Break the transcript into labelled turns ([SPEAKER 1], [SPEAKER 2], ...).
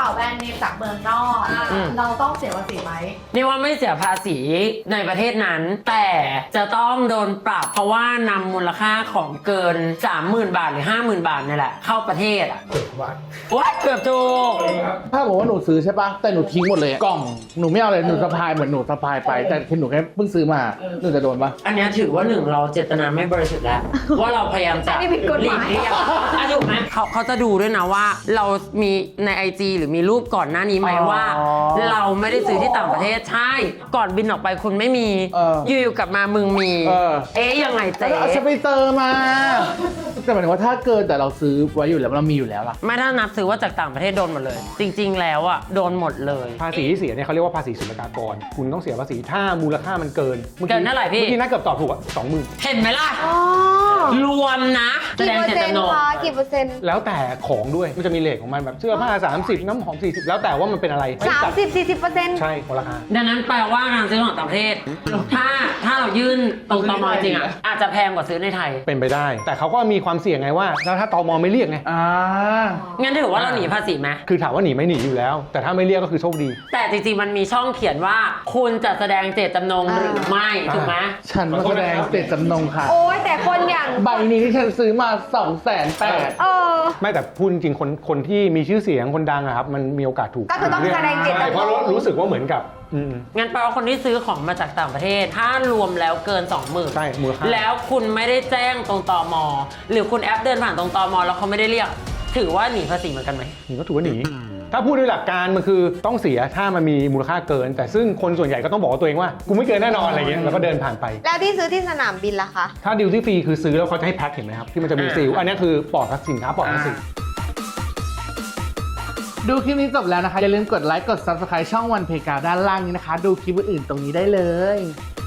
[SPEAKER 1] ป๋าแบรนด์เนมจากเมืองนอกเราต้องเสียภาษีไหม
[SPEAKER 2] นี่ว่าไม่เสียภาษีในประเทศนั้น แต่จะต้องโดนปรับเพราะว่านำมูลค่าของเกิน 30,000 บาทหรือ 50,000 บาทนี่แหละเข้าประเทศอ่ะว้าเกือบถูก
[SPEAKER 3] ถ้าบอกว่าหนูซื้อใช่ปะแต่หนูทิ้งหมดเลยกล่องหนูไม่เอาเลยหนูสะพายเหมือนหนูสะพายไปแต่คือหนูแค่เพิ่งซื้อมาหนูจะโดนปะ
[SPEAKER 2] อันนี้ถือว่าหนึ่งเราเจตนาไม่บริสุทธิ์แล้ว ว่าเราพยายามจะหลีกเลี่ยงถูกไหมเขาจะดูด้วยนะว่าเรามีใน IG หรือมีรูปก่อนหน้านี้ไหมว่า เราไม่ได้ซื้อที่ต่างประเทศใช่ก่อนบินออกไปคุณไม่มีอยู่ๆกลับมามึงมียังไงเจ๊
[SPEAKER 3] เอาไปเติมมาแต่หมายถึงว่าถ้าเกินแต่เราซื้อไว้อยู่แล้วเรามีอยู่แล้วล่ะ
[SPEAKER 2] ไม่ถ้านับซื้อว่าจากต่างประเทศโดนหมดเลย จริงๆแล้วอ่ะโดนหมดเลย
[SPEAKER 4] ภาษีที่เสียเนี่ยเขาเรียกว่าภาษีศุลกากรคุณต้องเสียภาษีถ้ามูลค่ามันเกิน
[SPEAKER 2] เกินเท่าไหร่พี่
[SPEAKER 4] เมื่อกี้น่าเกือบตอบถูกอ่ะ20,000
[SPEAKER 2] เห็นไหมล่ะรวมนะแสดงเจตจำนง
[SPEAKER 5] กี่เปอร์เซ็นต์
[SPEAKER 4] แล้วแต่ของด้วยมันจะมีเลทของมันแบบเสื้อผ้า30น้ำหอม40แล้วแต่ว่ามันเป็นอะไร
[SPEAKER 5] 30-40%
[SPEAKER 4] ใช่ของราคา
[SPEAKER 2] ดังนั้นแปลว่าการซื้อของต่างประเทศถ้าเรายื่นตรงตมจริงอ่ะอาจจะแพงกว่าซื้อในไทย
[SPEAKER 4] เป็นไปได้แต่เขาก็มีความเสี่ยงไงว่าแล้วถ้าตมไม่เรียกไง
[SPEAKER 2] งั้นถือว่าเราหนีภาษีไหม
[SPEAKER 4] คือถามว่าหนีไม่หนีอยู่แล้วแต่ถ้าไม่เรียกก็คือโชคดี
[SPEAKER 2] แต่จริงๆมันมีช่องเขียนว่าคุณจะแสดงเจตจำนงหรือไม่ถูกไหม
[SPEAKER 3] ฉันมาแสดงเจตจำนงค่ะ
[SPEAKER 5] โอ้ยแต่คนอย่าง
[SPEAKER 3] ใบนี้ที่ฉันซื้อมา280,000
[SPEAKER 4] ไม่แต่พูดจริงๆคนที่มีชื่อเสียงคนดังอะครับมันมีโอกาสถูก
[SPEAKER 5] ก็คือต้องแสดงเจตจำนง
[SPEAKER 4] เพราะรู้สึกว่าเหมือนกับ
[SPEAKER 2] งั้นแปลว่าคนที่ซื้อของมาจากต่างประเทศถ้ารวมแล้วเกิน 20,000
[SPEAKER 4] ใช่มูลค่า
[SPEAKER 2] แล้วคุณไม่ได้แจ้งตรงตม.หรือคุณแอปเดินผ่านตรงตม.แล้วเขาไม่ได้เรียกถือว่าหนีภาษีเหมือนกันไหม
[SPEAKER 4] นี่ก็ถือว่าหนีถ้าพูดด้วยหลักการมันคือต้องเสียถ้ามันมีมูลค่าเกินแต่ซึ่งคนส่วนใหญ่ก็ต้องบอกตัวเองว่ากูไม่เกินแน่นอนอะไรเงี้ยแล้วก็เดินผ่านไป
[SPEAKER 5] แล้วที่ซื้อที่สนามบินล่ะคะ
[SPEAKER 4] ถ้าดิวตี้ฟรีคือซื้อแล้วเขาจะให้แพ็คเห็นไหมครับที่มันจะมีซีลอันนี้คือปลอดสินค้าปลอดภาษี
[SPEAKER 3] ดูคลิปนี้จบแล้วนะคะอย่าลืมกดไลค์กด Subscribe ช่องวันเพกาด้านล่างนี้นะคะดูคลิปอื่นๆตรงนี้ได้เลย